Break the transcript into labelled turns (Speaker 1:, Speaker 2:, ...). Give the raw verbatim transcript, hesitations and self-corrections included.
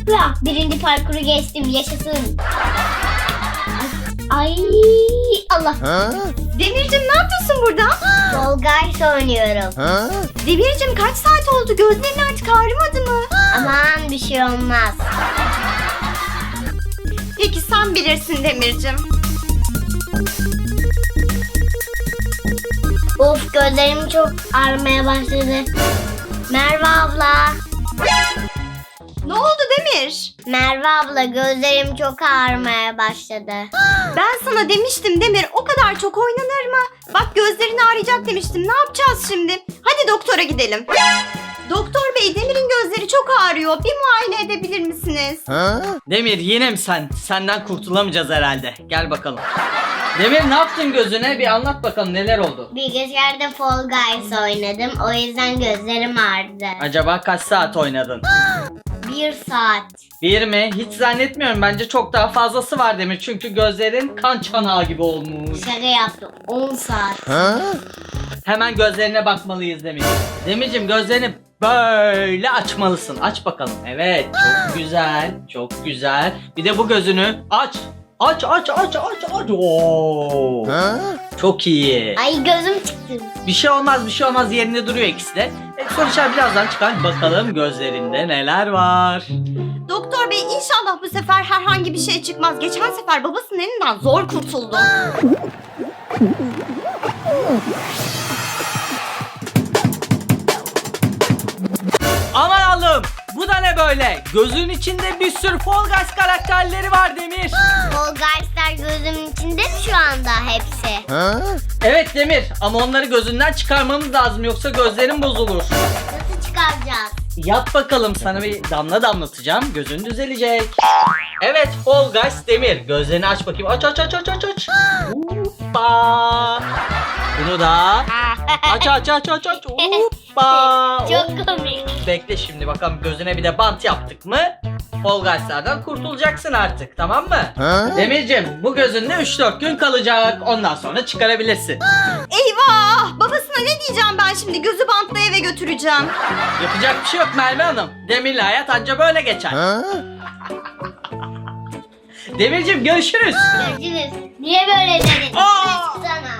Speaker 1: Ya, birinci parkuru geçtim, yaşasın. Ay, ay Allah.
Speaker 2: Demircim ne yapıyorsun burada?
Speaker 1: Fall Guys oynuyorum.
Speaker 2: Demircim kaç saat oldu? Gözlerin artık ağrımadı mı?
Speaker 1: Aman bir şey olmaz.
Speaker 2: Peki sen bilirsin Demircim.
Speaker 1: Of, gözlerim çok ağrımaya başladı. Merve abla.
Speaker 2: Ne oldu Demir?
Speaker 1: Merve abla, gözlerim çok ağrımaya başladı.
Speaker 2: Ben sana demiştim Demir, o kadar çok oynanır mı? Bak gözlerin ağrıyacak demiştim. Ne yapacağız şimdi? Hadi doktora gidelim. Doktor bey, Demir'in gözleri çok ağrıyor. Bir muayene edebilir misiniz?
Speaker 3: Demir yine mi sen? Senden kurtulamayacağız herhalde. Gel bakalım. Demir ne yaptın gözüne? Bir anlat bakalım neler oldu?
Speaker 1: Bilgisayarda Fall Guys oynadım. O yüzden gözlerim ağrıdı.
Speaker 3: Acaba kaç saat oynadın?
Speaker 1: Bir saat.
Speaker 3: Bir mi? Hiç zannetmiyorum. Bence çok daha fazlası var Demir. Çünkü gözlerin kan çanağı gibi olmuş.
Speaker 1: Şaka yaptım. on saat.
Speaker 3: Hemen gözlerine bakmalıyız Demir. Demircim gözlerini böyle açmalısın. Aç bakalım. Evet, çok güzel. Çok güzel. Bir de bu gözünü aç. Aç aç aç aç aç. Oo. Çok iyi.
Speaker 1: Ay, gözüm çıktı.
Speaker 3: Bir şey olmaz, bir şey olmaz, yerinde duruyor ikisi de. E, sonuçlar birazdan çıkar. Bakalım gözlerinde neler var.
Speaker 2: Doktor bey, inşallah bu sefer herhangi bir şey çıkmaz. Geçen sefer babasının elinden zor kurtuldu.
Speaker 3: Aman Allah'ım, bu da ne böyle? Gözün içinde bir sürü Fall Guys karakterleri var Demir.
Speaker 1: Fall Guys'lar gözümün içinde mi şu anda hepsi?
Speaker 3: Evet Demir, ama onları gözünden çıkarmamız lazım, yoksa gözlerin bozulur.
Speaker 1: Nasıl çıkaracağız?
Speaker 3: Yap bakalım, sana bir damla damlatacağım, gözün düzelecek. Evet Fall Guys Demir, gözlerini aç bakayım. Aç aç aç aç aç aç. Hoppa. Bunu da aç aç aç aç aç. Hoppa.
Speaker 1: Çok komik.
Speaker 3: Bekle şimdi bakalım, gözüne bir de bant yaptık mı Fall Guys'lardan kurtulacaksın artık, tamam mı? Demircim, bu gözünde üç dört gün kalacak, ondan sonra çıkarabilirsin.
Speaker 2: Eyvah! Babasına ne diyeceğim ben şimdi? Gözü bantla eve götüreceğim.
Speaker 3: Yapacak bir şey yok Merve Hanım, Demir'le hayat anca böyle geçer. Demircim görüşürüz.
Speaker 1: Görüşürüz. Niye böyle dedin?
Speaker 3: Aa!
Speaker 1: Sana.